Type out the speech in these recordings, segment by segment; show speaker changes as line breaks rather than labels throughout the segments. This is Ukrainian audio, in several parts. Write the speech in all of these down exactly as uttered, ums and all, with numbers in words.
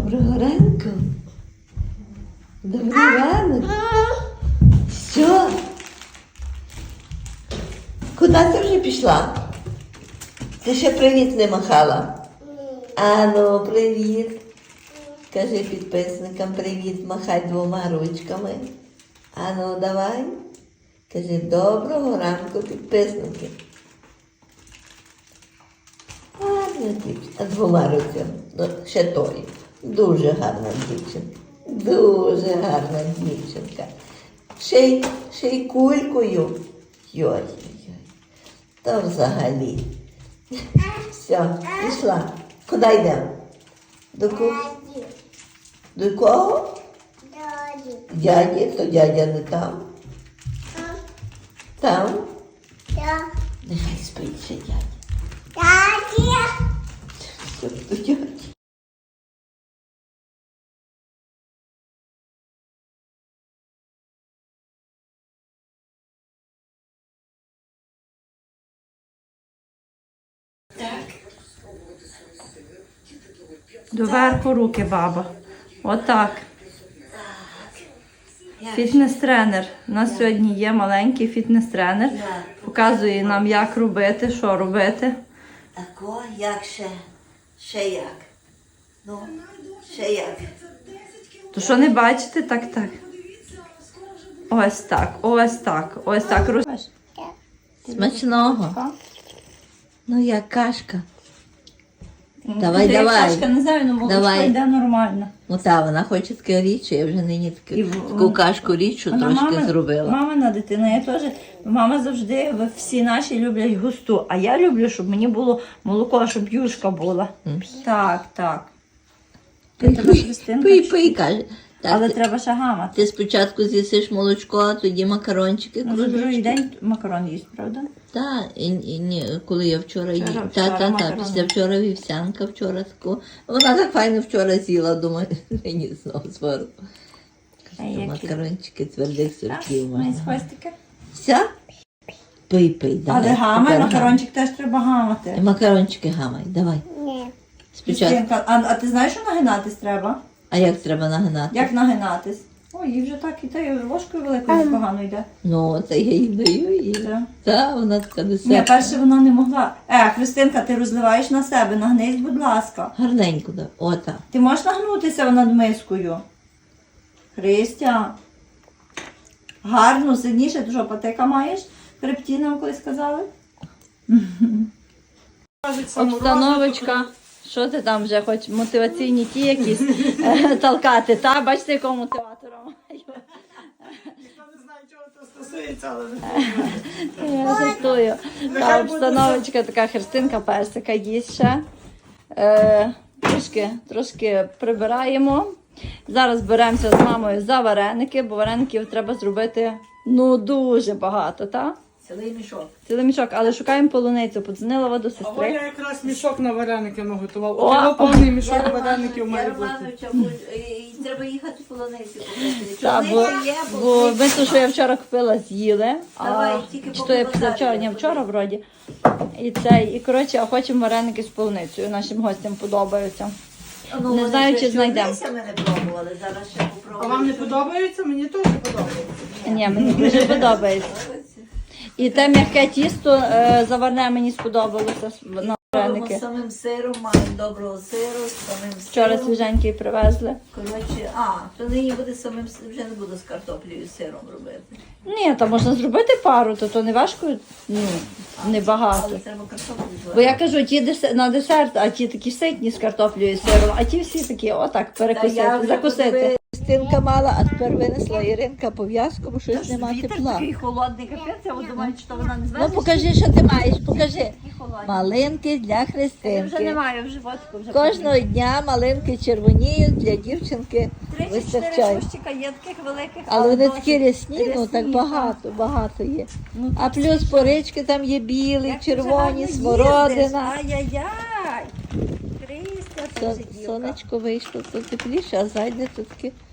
Доброго ранку. Добрий ранок. Що? Куди ти вже пішла? Ти ще привіт не махала? Ану, привіт. Кажи підписникам привіт, махай двома ручками. Ану, давай. Кажи доброго ранку, підписники. Гарна дівчинка. Двома ручками. Ну, ще той. Дуже гарна дівчинка. Дуже гарна дівчинка. Ще й, ще й кулькою. Йой-йой. То взагалі. Все, пішла. Куди йдемо? До кого? До кого?
Дяді.
Дяді, то дядя не там. Там?
Я.
Нехай спить ще дядя.
Дяді.
Все, до дяді.
Доверху руки, баба. Отак. Фітнес-тренер. У нас сьогодні є маленький фітнес-тренер. Показує нам, як робити, що робити.
Тако, як ще? Ще як? Ну, ще як?
То що не бачите? Так, так. Ось так, ось так, ось так.
Смачного. Ну, як кашка. Давай, давай.
Кашка, не знаю, ну молочко
Давай.
йде нормально.
Ну та, вона хоче таке річчя, я вже нині таку,
І в-
таку кашку річчю
Вона
трошки
мама-
зробила.
Мамина дитина, я теж, мама завжди, ви всі наші люблять густу, а я люблю, щоб мені було молоко, щоб юшка була.
М.
Так, так.
Пий,
Тебе,
пий,
Христинка,
пий,
чи-
пий, каже. Так,
Але
ти,
треба ще гамати.
ти спочатку з'їсиш молочко, а тоді макарончики,
На другий
кружечки.
день макарон їсть, правда?
Так, і, і, ні, коли я вчора їла.
Вчора-
Та,
вчора
та, та,
макарони.
після вчора вівсянка, вчора таку. Вона так файно вчора з'їла, думаю, мені знову звару.
А які?
Макарончики твердих сортів
Має
можна.
хвостики.
Все? Пий, пий, давай.
Але гамай,
тепер
макарончик теж треба
гамай.
гамати.
Макарончики гамай, давай.
Ні.
Спочатку.
Христинка, а, а ти знаєш, що нагинатись треба?
А як треба нагинати?
Як нагинатись? Ой, їй вже так іде, ложкою великою погано йде.
Ну, це я їй даю їй.
Так.
Та, вона така
Ні,
десерт.
перше вона не могла. Е, Христинка, ти розливаєш на себе, нагнись, будь ласка.
Гарненько, да. Ота.
Ти можеш нагнутися над мискою? Христя. Гарно, сильніше, ти що, патека маєш? Хребті нам колись сказали? Обстановочка. Що ти там вже хочеш? Мотиваційні ті якісь е, толкати, та? Бачите, якого мотиватора маю?
Ніхто не знає, чого це стосується, але
Я жартую. Та обстановочка така, Христинка персика їсть ще. Е, трошки, трошки прибираємо. Зараз беремося з мамою за вареники, бо вареників треба зробити ну дуже багато, так?
Цілий мішок.
Цілий мішок, але шукаємо полуницю. Подзвонила воду
а я
сестри.
якраз мішок на вареники наготував.
О!
От його повний мішок вареників має бути.
треба їхати в полоницю.
Та, бо, бо ми то, що я вчора купила, з'їли.
Давай,
А,
тільки
чи то я
поки
після вчора,
базарі
ні, вчора вроді. І це, і коротше, а хочемо вареники з полуницею. Нашим гостям подобаються.
Ну,
Не знаю, чи знайдемо.
Ми не пробували, зараз ще
А
попробуємо.
вам не подобається? Мені теж подобається.
Ні, мені дуже подобається. І те м'яке тісто е, заварне мені сподобалося на
Робимо
вареники.
з самим сиром, маємо доброго сиру, з самим
Вчора
сиром.
свіженький привезли.
Коротше, а, то нині буде самим, с- вже не буду з картоплею і сиром робити.
Ні, то можна зробити пару, то, то не важко, ну, небагато.
Але треба картоплю зварити.
Бо я кажу, ті десе- на десерт, а ті такі ситні з картоплею і сиром, а ті всі такі, отак, перекусити, закусити.
Стінка мала, а тепер винесла Іринка пов'язку, бо щось нема
Вітер
тепла.
такий холодний капець, я от думаю, що вона не
Ну
звернеться.
покажи, що ти маєш, покажи.
Такі холодні.
Малинки для
Я вже
Христинки.
немає в животику. Вже
Кожного дня малинки червоніють, для дівчинки
три-чотири
вистачає.
кущика є таких великих.
Але вони
досить
такі рясні, ну так
рясні,
багато, багато є.
Ну,
А плюс порички там є білі,
Як ти вже
червоні,
гарно їздиш.
смородина.
Ай-яй-яй. Христя, це
Сон-
вже дівка.
Сонечко вийшло, то тепліше, а зайде тут таке.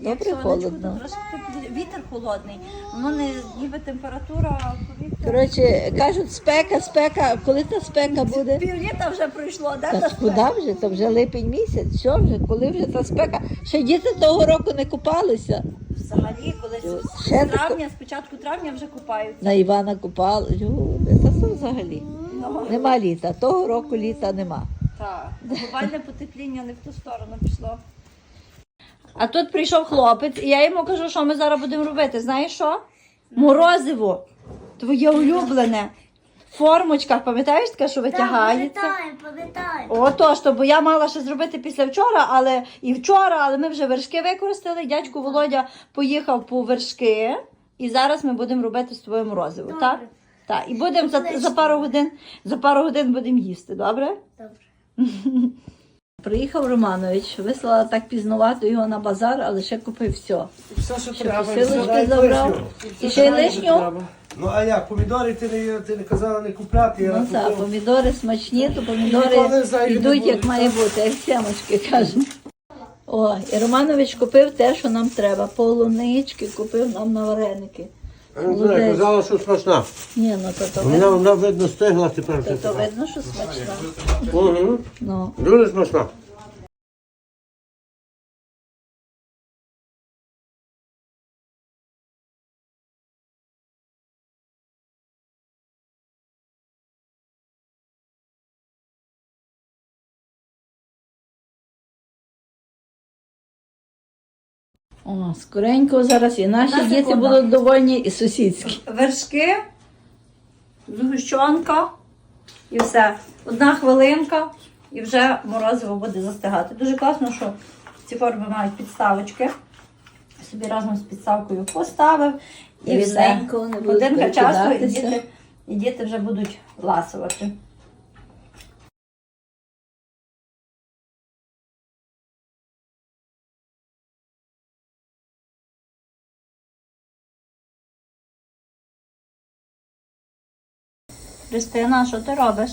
Як
Добре
сонечко,
холодно.
то трошки теплі- вітер холодний. Воно не ніби температура повітря.
Коротше, кажуть, спека, спека, коли та спека буде?
Півліта вже пройшло, да?
Та
та
ж куди вже? То вже липень місяць, що вже, коли вже та спека? Ще діти того року не купалися.
Взагалі, коли з
Ще
з травня, з початку травня вже купаються.
На Івана купали. Люди, та що взагалі?
Ну,
Нема літа. Того року літа нема.
так, глобальне потепління не в ту сторону пішло. А тут прийшов хлопець, і я йому кажу, що ми зараз будемо робити. Знаєш що? Морозиво. Твоє улюблене. В формочках, пам'ятаєш таке, що витягається?
Пам'ятаю, пам'ятаю.
Отож, то, бо я мала ще зробити після вчора, але і вчора, але ми вже вершки використали. Дядько Володя поїхав по вершки, і зараз ми будемо робити з тобою морозиво,
Добре.
так? Так, і будемо за, за пару годин, за пару годин будемо їсти, добре?
Добре.
Приїхав Романович, вислала так пізнувато його на базар, але ще купив все.
Все, що
Ще
треба.
посилочки
все.
забрав. І ще й лишню.
Ну а як, помідори ти не, ти не казала не купляти, я
Ну так,
купив.
помідори смачні, то
Ніколи
помідори
зайві не
йдуть як
будуть,
має
так?
бути, як семочки кажуть. О, і Романович купив те, що нам треба. Полунички купив нам на вареники. Молодець.
Казала, що смачна.
Ні, ну то, то,
Вона,
видно,
вона видно стигла тепер.
то, то видно, що смачно.
Угу.
Ну.
Дуже смачна.
О, скоренько зараз і наші
Одна
діти
секунда.
будуть довольні, і сусідські.
Вершки, згущенка і все. Одна хвилинка і вже морозиво буде застигати. Дуже класно, що ці форми мають підставочки. Собі разом з підставкою поставив і все.
Рівненько, не будуть
Годинка часу і
перекидатися.
діти, і діти вже будуть ласувати. Христина, що ти робиш?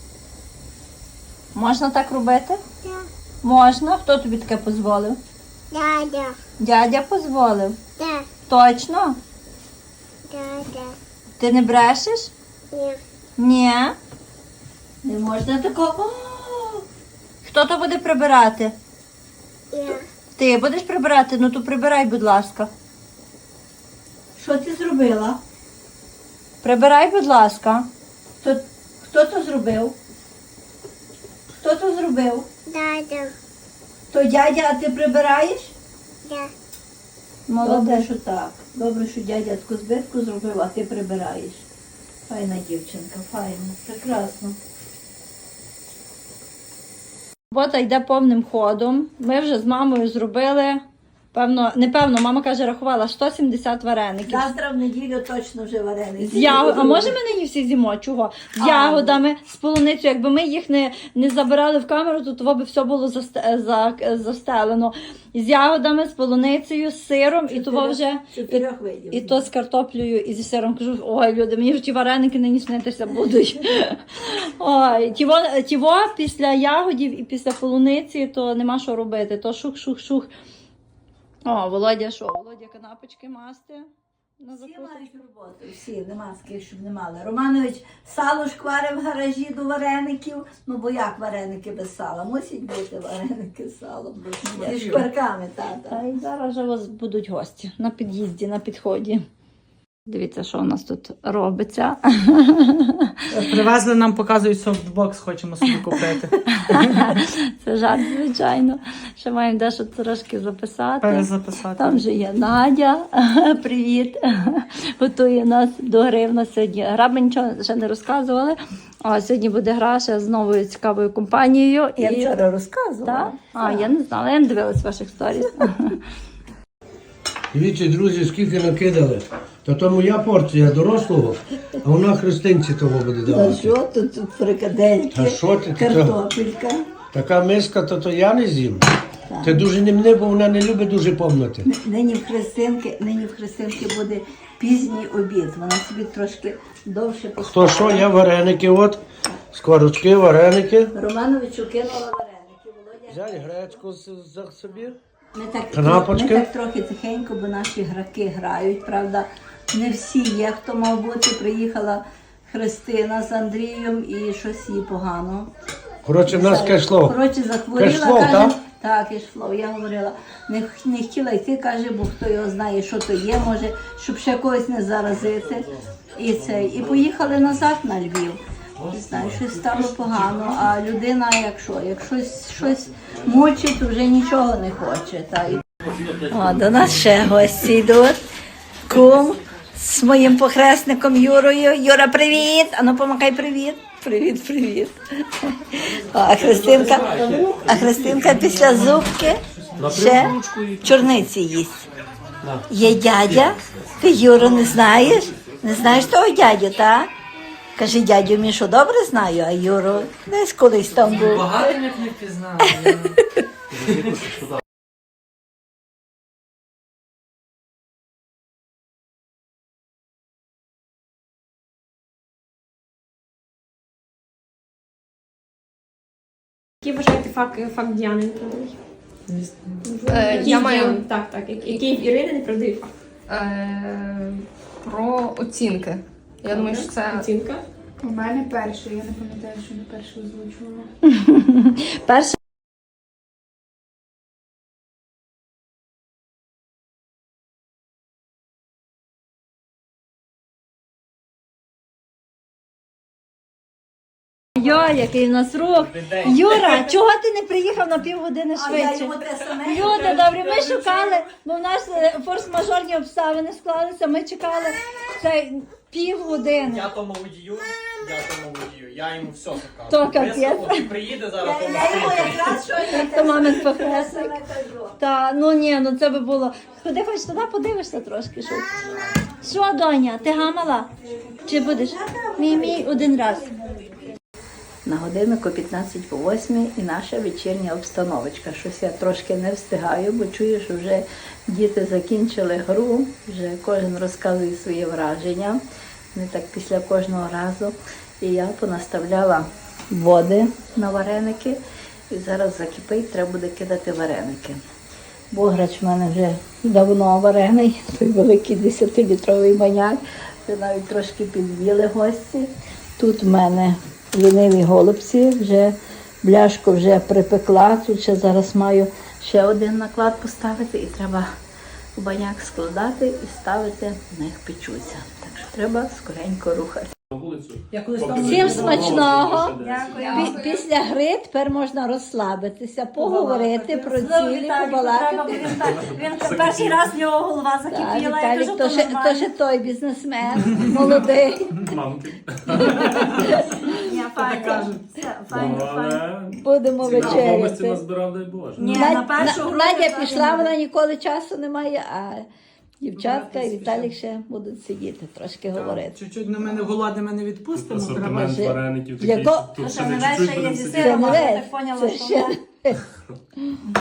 Можна так робити?
Так.
Можна. Хто тобі таке дозволив?
Дядя.
Дядя дозволив.
Так.
Точно?
Дядя.
Ти не брешеш?
Ні.
Ні.
Не можна такого.
О! Хто то буде прибирати?
Я.
Ти будеш прибирати? Ну то прибирай, будь ласка.
Що ти зробила?
Прибирай, будь ласка.
Хто, хто то зробив? Хто то зробив?
Дядя.
То дядя, а ти прибираєш?
Я.
Добре,
Молодець.
що так. Добре, що дядя таку збитку зробив, а ти прибираєш. Файна дівчинка, файна, прекрасно.
Робота йде повним ходом. Ми вже з мамою зробили, певно, не певно, мама каже, рахувала сто сімдесят вареників.
Завтра в неділю точно вже вареники.
З яго... А може ми нині всі з'їмо? Чого? З
А,
ягодами, з полуницею. Якби ми їх не, не забирали в камеру, то того би все було засте... за... застелено. З ягодами, з полуницею, з сиром, і того вже
Чотирьох видів.
і то з картоплею, і зі сиром. Кажу, ой, люди, мені вже ті вареники нині снитися будуть. Ой, тіво, тіво після ягодів і після полуниці, то нема що робити. То шух-шух-шух. О, Володя, що? Володя канапочки масти на
Всі
закуску.
мають роботу, всі, нема з ким, щоб не мали. Романович сало шкварив в гаражі до вареників. Ну бо як вареники без сала? Мусять бути вареники з салом. Зі шкварками, тата.
Та й зараз вже у вас будуть гості на під'їзді, на підході. Дивіться, що у нас тут робиться.
Привезли нам, показують софтбокс, хочемо собі купити.
Це жарт, звичайно. Ще маємо дещо трошки записати.
Перезаписати.
Там же є Надя. Привіт. Готує нас до гри. В нас сьогодні гра, ми нічого ще не розказували. А сьогодні буде гра ще з новою цікавою компанією.
Я
І-
вчора розказувала.
Так? А, я не знала, я не дивилась ваших сторіс.
Дивіться, друзі, скільки накидали. Та то моя порція дорослого, а вона Христинці того буде
Та
давати.
що тут, тут фрикадельки,
Та що ти, ти
картопелька.
Така миска, то, то я не з'їм. Ти дуже не мене, бо вона не любить дуже повнати.
Нині в Христинки, нині в Христинки буде пізній обід. Вона собі трошки довше
Хто що, я вареники, от, скворочки, вареники.
Романовичу кинула вареники. Володя
Взяй гречку з- за собі.
Ми так,
Канапочки?
ми так трохи тихенько, бо наші граки грають, правда. Не всі є, хто мав бути. Приїхала Христина з Андрієм і щось їй погано.
Коротше, в нас кешло.
Коротше, захворіла,
Кешфлоу,
каже,
так?
так, кешфлоу. Я говорила, не, не хотіла йти, каже, бо хто його знає, що то є, може, щоб ще когось не заразити. І це. І поїхали назад на Львів. Не знаю, щось стало погано, а людина, як що, як щось, щось мучить, то вже нічого не хоче. Та. і- О, до нас ще гості йдуть. Кум з моїм похресником Юрою. Юра, привіт! Ану, помахай привіт. Привіт, привіт. О, а Христинка, а Христинка після зубки ще чорниці їсть. Є дядя, ти Юру не знаєш? Не знаєш того дядю, так? Каже, дядю Мішу добре знаю, а Юру десь колись там був.
Багато як не впізнав.
Який вважаєте факт, факт Діани неправдивий?
Е,
Який
я
в
маю
Діани- Так, так. Який який в Ірини неправдивий факт?
е, про оцінки. Я думаю, що це
Оцінка.
У мене перший, я не пам'ятаю, що не перше озвучувала.
перше. Йо, який в нас рух. Юра, чого ти не приїхав на півгодини
А я
швидше?
йому те саме.
Люди, добре, ми шукали, бо в нас е, форс-мажорні обставини склалися, ми чекали це півгодини.
Я тому водію, я тому водію, я йому все закажу.
То капець.
Висновок, він приїде зараз, тому
Я йому
скільки.
якраз щось
То
те
мамин
саме
похресник.
кажу.
Та, ну ні, ну це би було. Ходи хоч туди подивишся трошки. Що, що доня, ти гамала? Чи будеш? Мій мій один раз.
На годиннику п'ятнадцять по восьмій і наша вечірня обстановочка. Щось я трошки не встигаю, бо чую, що вже діти закінчили гру, вже кожен розказує свої враження. Не так після кожного разу. І я понаставляла води на вареники. І зараз закипить, треба буде кидати вареники. Бограч в мене вже давно варений, той великий десятилітровий баняк. Вже навіть трошки під'їли гості. Тут в мене ліниві голубці, вже бляшку вже припекла. Тут ще зараз маю ще один наклад поставити і треба у баняк складати і ставити, в них печуться. Так що треба скоренько рухати. Всім смачного. Пі- Після гри тепер можна розслабитися, поговорити про цілі, побалакати.
Він перший раз в нього голова
Так,
закипіла, я
Віталік,
кажу,
то
то
ще, то
нормально.
ще той бізнесмен, молодий.
Ні, файно. Все, Файно, файно.
Будемо вечеряти.
назбирав, дай Боже.
Ні,
Надя-
на першу
На-
гру
Надя
так
пішла,
не
вона ніколи часу не має, а дівчатка і Віталік ще будуть сидіти, трошки говорити.
Чуть-чуть на мене голодними не відпустимо. Треба.
Асортимент
Вже-
вареників
Яко-
такий, що тут ще
Це
не
не
чуть-чуть
весь є
будемо
зі
сидіти.
Це
сиром,
не
а я
весь,
так поняла,
це
що
ще
вона-